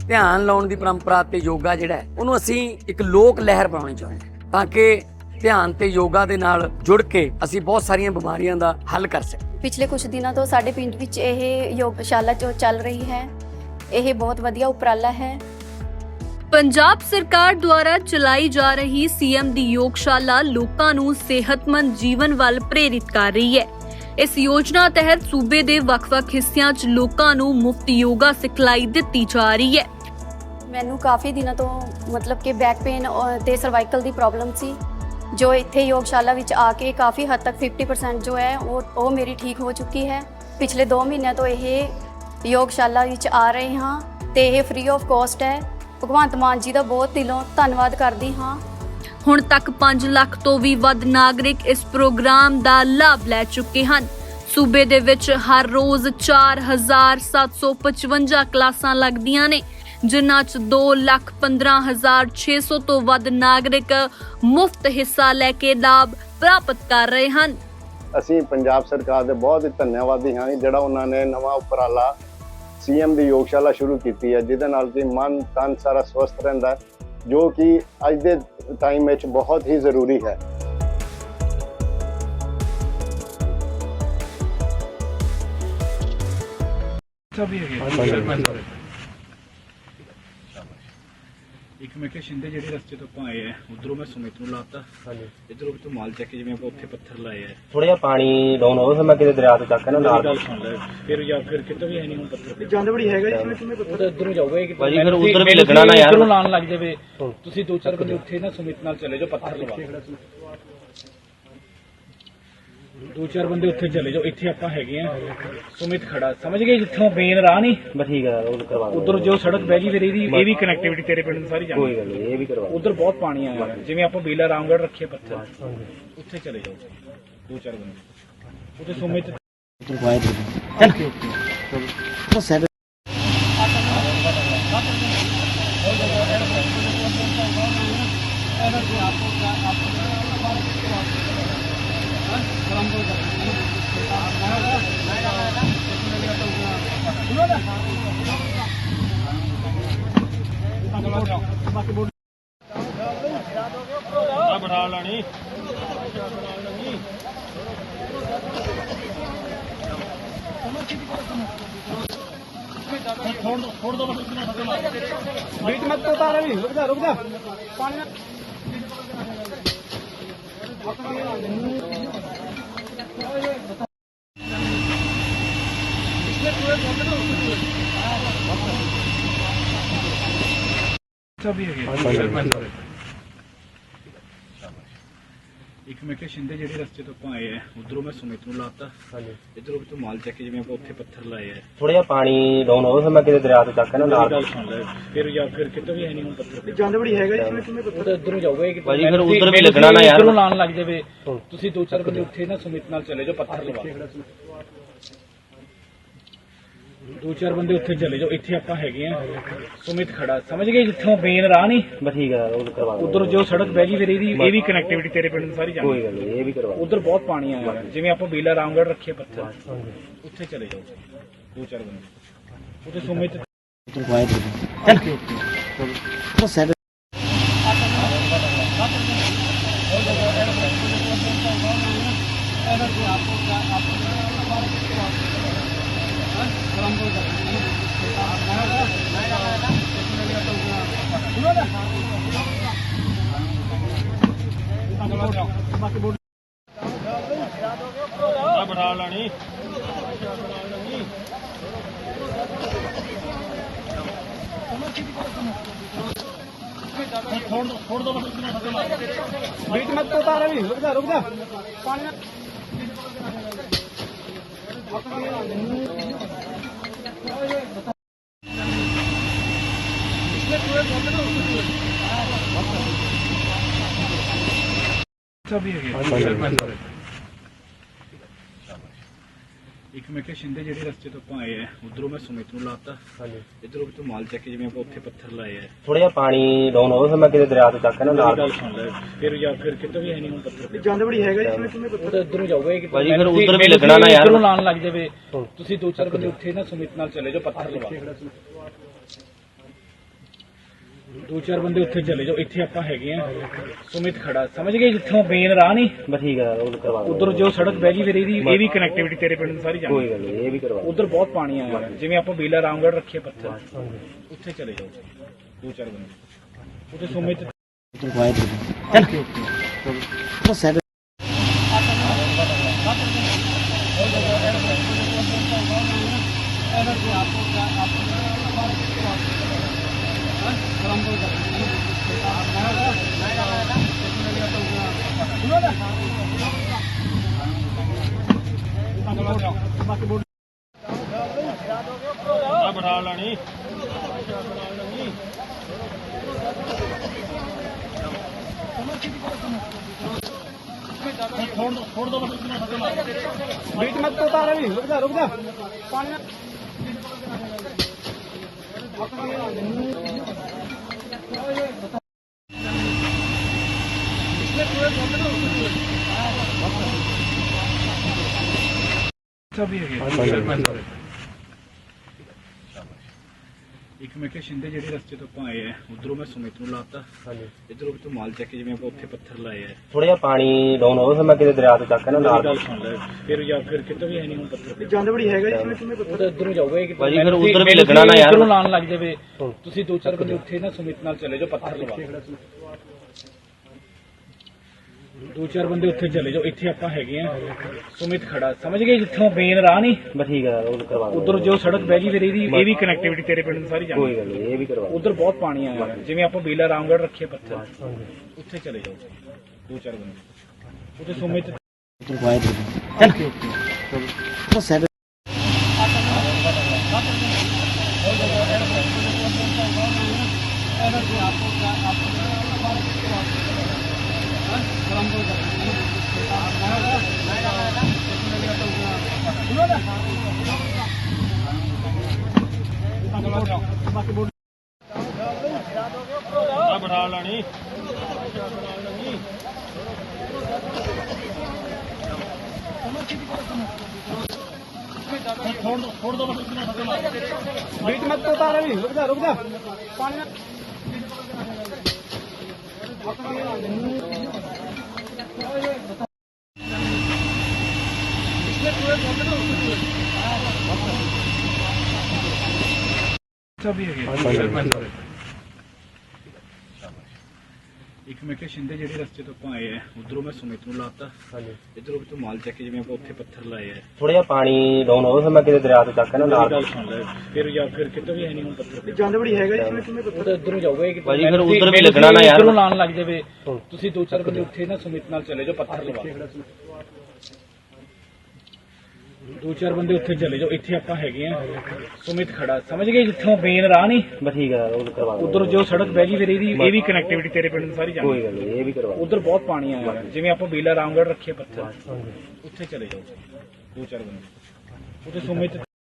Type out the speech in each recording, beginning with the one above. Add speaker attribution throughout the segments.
Speaker 1: ਧਿਆਨ ਲਾਉਣ ਦੀ ਪਰੰਪਰਾ ਤੇ ਯੋਗਾ ਜਿਹੜਾ ਹੈ ਉਹਨੂੰ ਅਸੀਂ ਇੱਕ ਲੋਕ ਲਹਿਰ ਬਣਾਉਣੀ ਚਾਹੁੰਦੇ ਹਾਂ ਤਾਂ ਕਿ ਧਿਆਨ ਤੇ ਯੋਗਾ ਦੇ ਨਾਲ ਜੁੜ ਕੇ ਅਸੀਂ ਬਹੁਤ ਸਾਰੀਆਂ ਬਿਮਾਰੀਆਂ ਦਾ ਹੱਲ ਕਰ ਸਕੀਏ।
Speaker 2: ਪਿਛਲੇ ਕੁਝ ਦਿਨਾਂ ਤੋਂ ਸਾਡੇ ਪਿੰਡ ਵਿੱਚ ਇਹ ਯੋਗਸ਼ਾਲਾ ਜੋ ਚੱਲ ਰਹੀ ਹੈ, ਇਹ ਬਹੁਤ ਵਧੀਆ ਉਪਰਾਲਾ ਹੈ।
Speaker 3: ਪੰਜਾਬ ਸਰਕਾਰ ਦੁਆਰਾ ਚਲਾਈ ਜਾ ਰਹੀ ਸੀਐਮ ਦੀ ਯੋਗਸ਼ਾਲਾ ਲੋਕਾਂ ਨੂੰ ਸਿਹਤਮੰਦ ਜੀਵਨ ਵੱਲ ਪ੍ਰੇਰਿਤ ਕਰ ਰਹੀ ਹੈ। ਇਸ ਯੋਜਨਾ ਤਹਿਤ ਸੂਬੇ ਦੇ ਵੱਖ-ਵੱਖ ਹਿੱਸਿਆਂ 'ਚ ਲੋਕਾਂ ਨੂੰ ਮੁਫਤ ਯੋਗਾ ਸਿਖਲਾਈ ਦਿੱਤੀ ਜਾ ਰਹੀ ਹੈ।
Speaker 2: ਮੈਨੂੰ ਕਾਫੀ ਦਿਨਾਂ ਤੋਂ ਮਤਲਬ ਕਿ ਬੈਕ ਪੇਨ ਤੇ ਸਰਵਾਈਕਲ ਦੀ ਪ੍ਰੋਬਲਮ ਸੀ, ਜੋ ਇੱਥੇ ਯੋਗਸ਼ਾਲਾ ਵਿੱਚ ਆ ਕੇ ਕਾਫੀ ਹੱਦ ਤੱਕ 50% ਜੋ ਹੈ ਉਹ ਮੇਰੀ ਠੀਕ ਹੋ ਚੁੱਕੀ ਹੈ। ਪਿਛਲੇ 2 ਮਹੀਨਿਆਂ ਤੋਂ ਇਹ ਯੋਗਸ਼ਾਲਾ ਵਿੱਚ ਆ ਰਹੇ ਹਾਂ ਤੇ ਇਹ ਫ੍ਰੀ ਆਫ ਕਾਸਟ ਹੈ। ਭਗਵੰਤ ਮਾਨ ਜੀ ਦਾ ਬਹੁਤ ਦਿਲੋਂ ਧੰਨਵਾਦ ਕਰਦੀ ਹਾਂ।
Speaker 3: ਹੁਣ ਤੱਕ 5 ਲੱਖ ਤੋਂ ਵੀ ਵੱਧ ਨਾਗਰਿਕ ਇਸ ਪ੍ਰੋਗਰਾਮ ਦਾ ਲਾਭ ਲੈ ਚੁੱਕੇ ਹਨ। ਸੂਬੇ ਦੇ ਵਿੱਚ ਹਰ ਰੋਜ਼ 4755 ਕਲਾਸਾਂ ਲੱਗਦੀਆਂ ਨੇ, ਜਿਨ੍ਹਾਂ 'ਚ 2,15,600 ਤੋਂ ਵੱਧ ਨਾਗਰਿਕ ਮੁਫਤ ਹਿੱਸਾ ਲੈ ਕੇ ਲਾਭ ਪ੍ਰਾਪਤ ਕਰ ਰਹੇ ਹਨ।
Speaker 4: ਅਸੀਂ ਪੰਜਾਬ ਸਰਕਾਰ ਦੇ ਬਹੁਤ ਹੀ ਧੰਨਵਾਦੀ ਹਾਂ ਜਿਹੜਾ ਉਹਨਾਂ ਨੇ ਨਵਾਂ ਉਪਰਾਲਾ ਸੀਐਮ ਦੀ ਯੋਗਸ਼ਾਲਾ ਸ਼ੁਰੂ ਕੀਤੀ ਹੈ, ਜਿਹਦੇ ਨਾਲ ਕਿ ਮਨ ਤਨ ਸਾਰਾ ਸਵਸਥ ਰਹਿੰਦਾ, ਜੋ ਕਿ ਅੱਜ ਦੇ ਟਾਈਮ ਵਿੱਚ ਬਹੁਤ ਹੀ ਜ਼ਰੂਰੀ ਹੈ।
Speaker 5: ਇੱਕ ਮੈਂ ਕਿਹਾ ਸ਼ਿੰਦੇ ਜਿਹੜੇ ਰਸਤੇ ਤੋਂ ਆਪਾਂ ਆਏ ਆ ਉਧਰੋਂ ਮੈਂ ਸੁਮਿਤ ਨੂੰ ਲਾਤਾ, ਇਧਰੋਂ ਤੋਂ ਮਾਲ ਚੱਕ ਕੇ ਜਿਵੇਂ ਆਪਾਂ ਉੱਥੇ ਪੱਥਰ ਲਾਏ ਆ,
Speaker 6: ਥੋੜਾ ਜਿਹਾ ਪਾਣੀ ਡਾਊਨ ਹੋਵੇ ਫਿਰ ਮੈਂ ਕਿਤੇ ਦਰਿਆ ਤੋਂ ਚੱਕ ਕੇ ਨਾ ਨਾਲ
Speaker 5: ਗੱਲ ਸੁਣ ਲੈ ਫਿਰ ਜਾਂ ਫਿਰ ਕਿਤੋਂ ਵੀ ਹੈ ਨਹੀਂ ਹੁਣ ਪੱਥਰ
Speaker 4: ਜਾਂਦੇ ਬੜੀ ਹੈਗਾ ਜਿਵੇਂ ਕਿਵੇਂ
Speaker 5: ਉਹ ਤਾਂ ਇਧਰੋਂ ਜਾਊਗਾ ਕਿ
Speaker 6: ਭਾਜੀ ਫਿਰ ਉਧਰ ਵੀ ਲੱਗਣਾ ਨਾ ਯਾਰ,
Speaker 5: ਇਧਰੋਂ ਲਾਣ ਲੱਗ ਜਾਵੇ। ਤੁਸੀਂ 2-4 ਬੰਦੇ ਉੱਥੇ ਨਾ ਸੁਮਿਤ ਨਾਲ ਚਲੇ ਜਾਓ, ਪੱਥਰ ਲਵਾ 2-4 ਬੰਦੇ ਉੱਥੇ ਚਲੇ ਜਾਓ। ਇੱਥੇ ਆਪਾਂ ਹੈਗੇ ਆ, ਸੁਮਿਤ ਖੜਾ ਸਮਝ ਗਏ, ਜਿੱਥੋਂ ਮੇਨ ਰਾਹ ਨਹੀਂ
Speaker 6: ਬਸ ਠੀਕ ਹੈ ਉਹ ਕਰਵਾ
Speaker 5: ਉਧਰ ਜੋ ਸੜਕ ਬਹਿ ਗਈ ਫਿਰ ਇਹ ਵੀ ਕਨੈਕਟੀਵਿਟੀ ਤੇਰੇ ਪਿੰਡ ਨੂੰ ਸਾਰੀ ਜਾਂਦੀ।
Speaker 6: ਕੋਈ ਗੱਲ ਨਹੀਂ ਇਹ ਵੀ ਕਰਵਾ
Speaker 5: ਉਧਰ ਬਹੁਤ ਪਾਣੀ ਆਇਆ ਹੋਇਆ, ਜਿਵੇਂ ਆਪਾਂ ਬੇਲਾ ਰਾਮਗੜ੍ਹ ਰੱਖੇ ਪੱਥਰ, ਉੱਥੇ ਚਲੇ ਜਾਓ 2-4 ਬੰਦੇ ਉੱਥੇ ਸੁਮਿਤ बढ़ा लानी छोड़ दो बीच मत तो उतार अभी, रुक जा पानी सभी है। ਇੱਕ ਮੈਂ ਕਿਹਾ ਸ਼ਿੰਦੇ ਜਿਹੜੇ ਰਸਤੇ ਤੋਂ ਆਪਾਂ ਆਏ ਆ ਉਧਰੋਂ ਮੈਂ ਸੁਮਿਤ ਨੂੰ ਲਾਤਾ, ਇਧਰੋਂ ਤੋਂ ਮਾਲ ਚੱਕ ਕੇ ਜਿਵੇਂ ਆਪਾਂ ਉੱਥੇ ਪੱਥਰ ਲਾਏ ਆ,
Speaker 6: ਥੋੜਾ ਜਿਹਾ ਪਾਣੀ ਡਾਊਨ ਹੋਵੇ ਫਿਰ ਮੈਂ ਕਿਤੇ ਦਰਿਆ ਤੋਂ ਚੱਕ ਕੇ ਨਾ ਨਾਲ
Speaker 5: ਗੱਲ ਸੁਣ ਲੈ ਫਿਰ ਜਾਂ ਫਿਰ ਕਿਤੋਂ ਵੀ ਹੈ ਨਹੀਂ ਹੁਣ ਪੱਥਰ
Speaker 4: ਜਾਂਦੇ ਬੜੀ ਹੈਗਾ ਜਿਵੇਂ ਕਿਵੇਂ
Speaker 5: ਉਹ ਤਾਂ ਇਧਰੋਂ ਜਾਊਗਾ ਕਿ
Speaker 6: ਭਾਜੀ ਫਿਰ ਉਧਰ ਵੀ ਲੱਗਣਾ ਨਾ ਯਾਰ,
Speaker 5: ਇਧਰੋਂ ਲਾਣ ਲੱਗ ਜਾਵੇ। ਤੁਸੀਂ 2-4 ਬੰਦੇ ਉੱਥੇ ਨਾ ਸੁਮਿਤ ਨਾਲ ਚਲੇ ਜਾਓ, ਪੱਥਰ ਲਵਾ 2-4 ਬੰਦੇ ਉੱਥੇ ਚਲੇ ਜਾਓ। ਇੱਥੇ ਆਪਾਂ ਹੈਗੇ ਆ, ਸੁਮਿਤ ਖੜਾ ਸਮਝ ਗਏ, ਜਿੱਥੋਂ ਮੇਨ ਰਾਹ ਨਹੀਂ
Speaker 6: ਬਸ ਠੀਕ ਹੈ ਉਹ ਕਰਵਾ
Speaker 5: ਉਧਰ ਜੋ ਸੜਕ ਬਹਿ ਗਈ ਫਿਰ ਇਹ ਵੀ ਕਨੈਕਟੀਵਿਟੀ ਤੇਰੇ ਪਿੰਡ ਨੂੰ ਸਾਰੀ ਜਾਂਦੀ।
Speaker 6: ਕੋਈ ਗੱਲ ਨਹੀਂ ਇਹ ਵੀ ਕਰਵਾ
Speaker 5: ਉਧਰ ਬਹੁਤ ਪਾਣੀ ਆਇਆ ਹੋਇਆ, ਜਿਵੇਂ ਆਪਾਂ ਬੇਲਾ ਰਾਮਗੜ੍ਹ ਰੱਖੇ ਪੱਥਰ, ਉੱਥੇ ਚਲੇ ਜਾਓ 2-4 ਬੰਦੇ ਉੱਥੇ ਸੁਮਿਤ बढ़ा लानी छोड़ दो बीच मत तो उतार अभी, रुक जा पानी सभी है। ਇੱਕ ਮੈਂ ਕਿਹਾ ਸ਼ਿੰਦੇ ਜਿਹੜੇ ਰਸਤੇ ਤੋਂ ਆਪਾਂ ਆਏ ਆ ਉਧਰੋਂ ਮੈਂ ਸੁਮਿਤ ਨੂੰ ਲਾਤਾ, ਇਧਰੋਂ ਤੋਂ ਮਾਲ ਚੱਕ ਕੇ ਜਿਵੇਂ ਆਪਾਂ ਉੱਥੇ ਪੱਥਰ ਲਾਏ ਆ,
Speaker 6: ਥੋੜਾ ਜਿਹਾ ਪਾਣੀ ਡਾਊਨ ਹੋਵੇ ਫਿਰ ਮੈਂ ਕਿਤੇ ਦਰਿਆ ਤੋਂ ਚੱਕ ਕੇ ਨਾ ਨਾਲ
Speaker 5: ਗੱਲ ਸੁਣ ਲੈ ਫਿਰ ਜਾਂ ਫਿਰ ਕਿਤੋਂ ਵੀ ਹੈ ਨਹੀਂ ਹੁਣ ਪੱਥਰ
Speaker 4: ਜਾਂਦੇ ਬੜੀ ਹੈਗਾ ਜਿਵੇਂ ਕਿਵੇਂ
Speaker 5: ਉਹ ਤਾਂ ਇਧਰੋਂ ਜਾਊਗਾ ਕਿ
Speaker 6: ਭਾਜੀ ਫਿਰ ਉਧਰ ਵੀ ਲੱਗਣਾ ਨਾ ਯਾਰ,
Speaker 5: ਇਧਰੋਂ ਲਾਣ ਲੱਗ ਜਾਵੇ। ਤੁਸੀਂ 2-4 ਬੰਦੇ ਉੱਥੇ ਨਾ ਸੁਮਿਤ ਨਾਲ ਚਲੇ ਜਾਓ, ਪੱਥਰ ਲਵਾ ਦੋ ਚਾਰ ਬੰਦੇ ਉੱਥੇ ਚਲੇ ਜਾਓ, ਇੱਥੇ ਆਪਾਂ ਹੈਗੇ ਆ। ਸੁਮਿਤ ਖੜਾ, ਸਮਝ ਗਏ, ਜਿੱਥੋਂ ਮੇਨ ਰਾਹ ਨਹੀਂ
Speaker 6: ਬਸ ਠੀਕ ਹੈ, ਉਹ ਕਰਵਾ ਦਾਂਗੇ।
Speaker 5: ਉਧਰ ਜੋ ਸੜਕ ਬਹਿ ਗਈ, ਫਿਰ ਇਹ ਵੀ ਕਨੈਕਟੀਵਿਟੀ ਤੇਰੇ ਪਿੰਡ ਨੂੰ ਸਾਰੀ ਜਾਂਦੀ।
Speaker 6: ਕੋਈ ਗੱਲ ਨਹੀਂ, ਇਹ ਵੀ ਕਰਵਾ
Speaker 5: ਉਧਰ ਬਹੁਤ ਪਾਣੀ ਆਇਆ, ਜਿਵੇਂ ਆਪਾਂ ਬੀਲਾ ਰਾਮਗੜ੍ਹ ਰੱਖੇ ਪੱਥਰ, ਉੱਥੇ ਚਲੇ ਜਾਓ ਦੋ ਚਾਰ ਬੰਦੇ। ਉੱਥੇ ਸੁਮਿਤ ਬਣਾ ਲੈਣੀ। छोड़ दो बीच मत तो उतार रही, रुक जा पानी सभी है। ਇੱਕ ਮੈਂ ਕਿਹਾ ਸ਼ਿੰਦੇ ਜਿਹੜੇ ਰਸਤੇ ਤੋਂ ਆਪਾਂ ਆਏ ਆ, ਉਧਰੋਂ ਮੈਂ ਸੁਮਿਤ ਨੂੰ ਲਾਤਾ, ਇਧਰੋਂ ਤੋਂ ਮਾਲ ਚੱਕ ਕੇ, ਜਿਵੇਂ ਆਪਾਂ ਉੱਥੇ ਪੱਥਰ ਲਾਏ ਆ।
Speaker 6: ਥੋੜਾ ਜਿਹਾ ਪਾਣੀ ਡਾਊਨ ਹੋਵੇ, ਫਿਰ ਮੈਂ ਕਿਤੇ ਦਰਿਆ ਤੋਂ ਚੱਕ ਕੇ ਨਾ ਨਾਲ
Speaker 5: ਗੱਲ ਸੁਣ ਲੈ, ਫਿਰ ਜਾਂ ਫਿਰ ਕਿਤੇ ਵੀ ਹੈ ਨਹੀਂ ਹੁਣ ਪੱਥਰ ਜਾਂਦੇ ਬੜੀ ਹੈਗਾ ਜੀ, ਉਹ ਤਾਂ ਇਧਰੋਂ ਜਾਊਗਾ ਕਿ
Speaker 6: ਭਾਜੀ, ਫਿਰ ਉਧਰ ਵੀ ਲੱਗਣਾ ਨਾ ਯਾਰ,
Speaker 5: ਇਧਰੋਂ ਲਾਣ ਲੱਗ ਜਾਵੇ। ਤੁਸੀਂ ਦੋ ਚਾਰ ਬੰਦੇ ਉੱਥੇ ਨਾ ਸੁਮਿਤ ਨਾਲ ਚਲੇ ਜਾਓ, ਪੱਥਰ ਲਵਾ ਦੋ ਚਾਰ ਬੰਦੇ ਉੱਥੇ ਚਲੇ ਜਾਓ, ਇੱਥੇ ਆਪਾਂ ਹੈਗੇ ਆ। ਸੁਮਿਤ ਖੜਾ, ਸਮਝ ਗਏ, ਜਿੱਥੋਂ ਮੇਨ ਰਾਹ ਨਹੀਂ
Speaker 6: ਬਸ ਠੀਕ ਹੈ, ਉਹ ਕਰਵਾ ਦਾਂਗੇ।
Speaker 5: ਉਧਰ ਜੋ ਸੜਕ ਬਹਿ ਗਈ, ਫਿਰ ਇਹ ਵੀ ਕਨੈਕਟੀਵਿਟੀ ਤੇਰੇ ਪਿੰਡ ਨੂੰ ਸਾਰੀ ਜਾਂਦੀ।
Speaker 6: ਕੋਈ ਗੱਲ ਨਹੀਂ, ਇਹ ਵੀ ਕਰਵਾ
Speaker 5: ਉਧਰ ਬਹੁਤ ਪਾਣੀ ਆਇਆ, ਜਿਵੇਂ ਆਪਾਂ ਬੀਲਾ ਰਾਮਗੜ੍ਹ ਰੱਖੇ ਪੱਥਰ, ਉੱਥੇ ਚਲੇ ਜਾਓ ਦੋ ਚਾਰ ਬੰਦੇ। ਉੱਥੇ ਸੁਮਿਤ ਬਣਾ ਲੈਣੀ। छोड़ दो बीच मत तो उतार रही, रुक जा पानी सभी है। ਇੱਕ ਮੈਂ ਕਿਹਾ ਸ਼ਿੰਦੇ ਜਿਹੜੇ ਰਸਤੇ ਤੋਂ ਆਪਾਂ ਆਏ ਆ, ਉਧਰੋਂ ਮੈਂ ਸੁਮਿਤ ਨੂੰ ਲਾਤਾ, ਇਧਰੋਂ ਤੋਂ ਮਾਲ ਚੱਕ ਕੇ, ਜਿਵੇਂ ਆਪਾਂ ਉੱਥੇ ਪੱਥਰ ਲਾਏ ਆ।
Speaker 6: ਥੋੜਾ ਜਿਹਾ ਪਾਣੀ ਡਾਊਨ ਹੋਵੇ, ਫਿਰ ਮੈਂ ਕਿਤੇ ਦਰਿਆ ਤੋਂ ਚੱਕ ਕੇ ਨਾ ਨਾਲ
Speaker 5: ਗੱਲ ਸੁਣ ਲੈ, ਫਿਰ ਜਾਂ ਫਿਰ ਕਿਤੇ ਵੀ ਹੈ ਨਹੀਂ ਹੁਣ ਪੱਥਰ ਜਾਂਦੇ ਬੜੀ ਹੈਗਾ ਜੀ, ਉਹ ਤਾਂ ਇਧਰੋਂ ਜਾਊਗਾ ਕਿ
Speaker 6: ਭਾਜੀ, ਫਿਰ ਉਧਰ ਵੀ ਲੱਗਣਾ ਨਾ ਯਾਰ,
Speaker 5: ਇਧਰੋਂ ਲਾਣ ਲੱਗ ਜਾਵੇ। ਤੁਸੀਂ ਦੋ ਚਾਰ ਬੰਦੇ ਉੱਥੇ ਨਾ ਸੁਮਿਤ ਨਾਲ ਚਲੇ ਜਾਓ, ਪੱਥਰ ਲਵਾ ਦੋ ਚਾਰ ਬੰਦੇ ਉੱਥੇ ਚਲੇ ਜਾਓ, ਇੱਥੇ ਆਪਾਂ ਹੈਗੇ ਆ। ਸੁਮਿਤ ਖੜਾ, ਸਮਝ ਗਏ, ਜਿੱਥੋਂ ਮੇਨ ਰਾਹ ਨਹੀਂ
Speaker 6: ਬਸ ਠੀਕ ਹੈ, ਉਹ ਕਰਵਾ ਦਾਂਗੇ।
Speaker 5: ਉਧਰ ਜੋ ਸੜਕ ਬਹਿ ਗਈ, ਫਿਰ ਇਹ ਵੀ ਕਨੈਕਟੀਵਿਟੀ ਤੇਰੇ ਪਿੰਡ ਨੂੰ ਸਾਰੀ ਜਾਂਦੀ।
Speaker 6: ਕੋਈ ਗੱਲ ਨਹੀਂ, ਇਹ ਵੀ ਕਰਵਾ
Speaker 5: ਉਧਰ ਬਹੁਤ ਪਾਣੀ ਆਇਆ, ਜਿਵੇਂ ਆਪਾਂ ਬੀਲਾ ਰਾਮਗੜ੍ਹ ਰੱਖੇ ਪੱਥਰ, ਉੱਥੇ ਚਲੇ ਜਾਓ ਦੋ ਚਾਰ ਬੰਦੇ। ਉੱਥੇ ਸੁਮਿਤ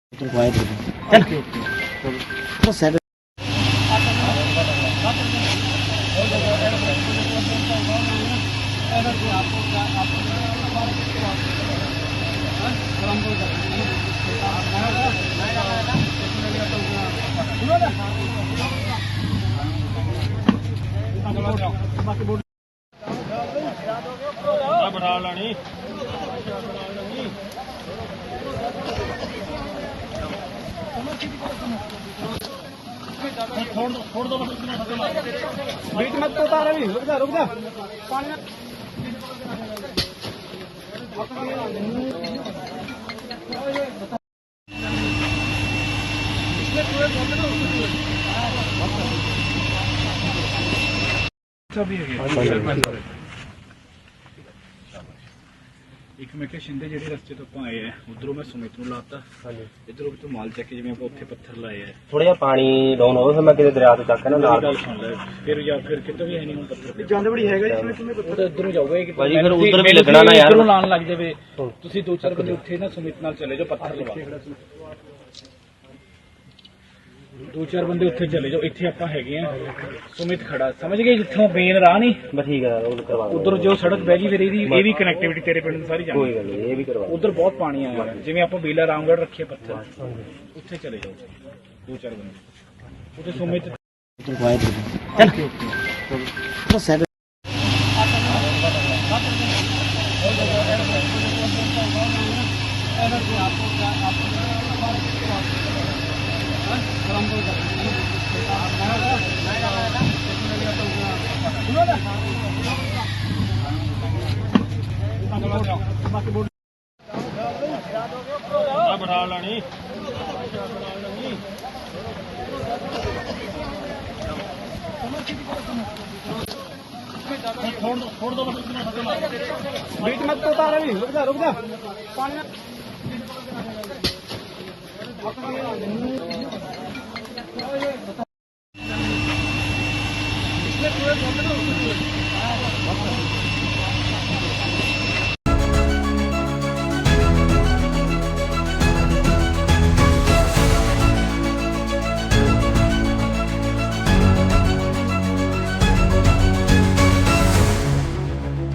Speaker 5: ਬਣਾ ਲੈਣੀ। छोड़ दो बीच मत तो उतार रही, रुक जा पानी सभी है। ਇੱਕ ਮੈਂ ਕਿਹਾ ਸ਼ਿੰਦੇ ਜਿਹੜੇ ਰਸਤੇ ਤੋਂ ਆਪਾਂ ਆਏ ਆ, ਉਧਰੋਂ ਮੈਂ ਸੁਮਿਤ ਨੂੰ ਲਾਤਾ, ਇਧਰੋਂ ਤੋਂ ਮਾਲ ਚੱਕ ਕੇ, ਜਿਵੇਂ ਆਪਾਂ ਉੱਥੇ ਪੱਥਰ ਲਾਏ ਆ।
Speaker 6: ਥੋੜਾ ਜਿਹਾ ਪਾਣੀ ਡਾਊਨ ਹੋਵੇ, ਫਿਰ ਮੈਂ ਕਿਤੇ ਦਰਿਆ ਤੋਂ ਚੱਕ ਕੇ ਨਾ ਨਾਲ
Speaker 5: ਗੱਲ ਸੁਣ ਲੈ, ਫਿਰ ਜਾਂ ਫਿਰ ਕਿਤੇ ਵੀ ਹੈ ਨਹੀਂ ਹੁਣ ਪੱਥਰ ਜਾਂਦੇ ਬੜੀ ਹੈਗਾ ਜੀ, ਉਹ ਤਾਂ ਇਧਰੋਂ ਜਾਊਗਾ ਕਿ
Speaker 6: ਭਾਜੀ, ਫਿਰ ਉਧਰ ਵੀ ਲੱਗਣਾ ਨਾ ਯਾਰ,
Speaker 5: ਇਧਰੋਂ ਲਾਣ ਲੱਗ ਜਾਵੇ। ਤੁਸੀਂ ਦੋ ਚਾਰ ਬੰਦੇ ਉੱਥੇ ਨਾ ਸੁਮਿਤ ਨਾਲ ਚਲੇ ਜਾਓ, ਪੱਥਰ ਲਵਾ ਦੋ ਚਾਰ ਬੰਦੇ ਉੱਥੇ ਚਲੇ ਜਾਓ, ਇੱਥੇ ਆਪਾਂ ਹੈਗੇ ਆ। ਸੁਮਿਤ ਖੜਾ, ਸਮਝ ਗਏ, ਜਿੱਥੋਂ ਮੇਨ ਰਾਹ ਨਹੀਂ
Speaker 6: ਬਸ ਠੀਕ ਹੈ, ਉਹ ਕਰਵਾ ਦਾਂਗੇ।
Speaker 5: ਉਧਰ ਜੋ ਸੜਕ ਬਹਿ ਗਈ, ਫਿਰ ਇਹ ਵੀ ਕਨੈਕਟੀਵਿਟੀ ਤੇਰੇ ਪਿੰਡ ਨੂੰ ਸਾਰੀ ਜਾਂਦੀ।
Speaker 6: ਕੋਈ ਗੱਲ ਨਹੀਂ, ਇਹ ਵੀ ਕਰਵਾ
Speaker 5: ਉਧਰ ਬਹੁਤ ਪਾਣੀ ਆਇਆ, ਜਿਵੇਂ ਆਪਾਂ ਬੀਲਾ ਰਾਮਗੜ੍ਹ ਰੱਖੇ ਪੱਥਰ, ਉੱਥੇ ਚਲੇ ਜਾਓ ਦੋ ਚਾਰ ਬੰਦੇ। ਉੱਥੇ ਸੁਮਿਤ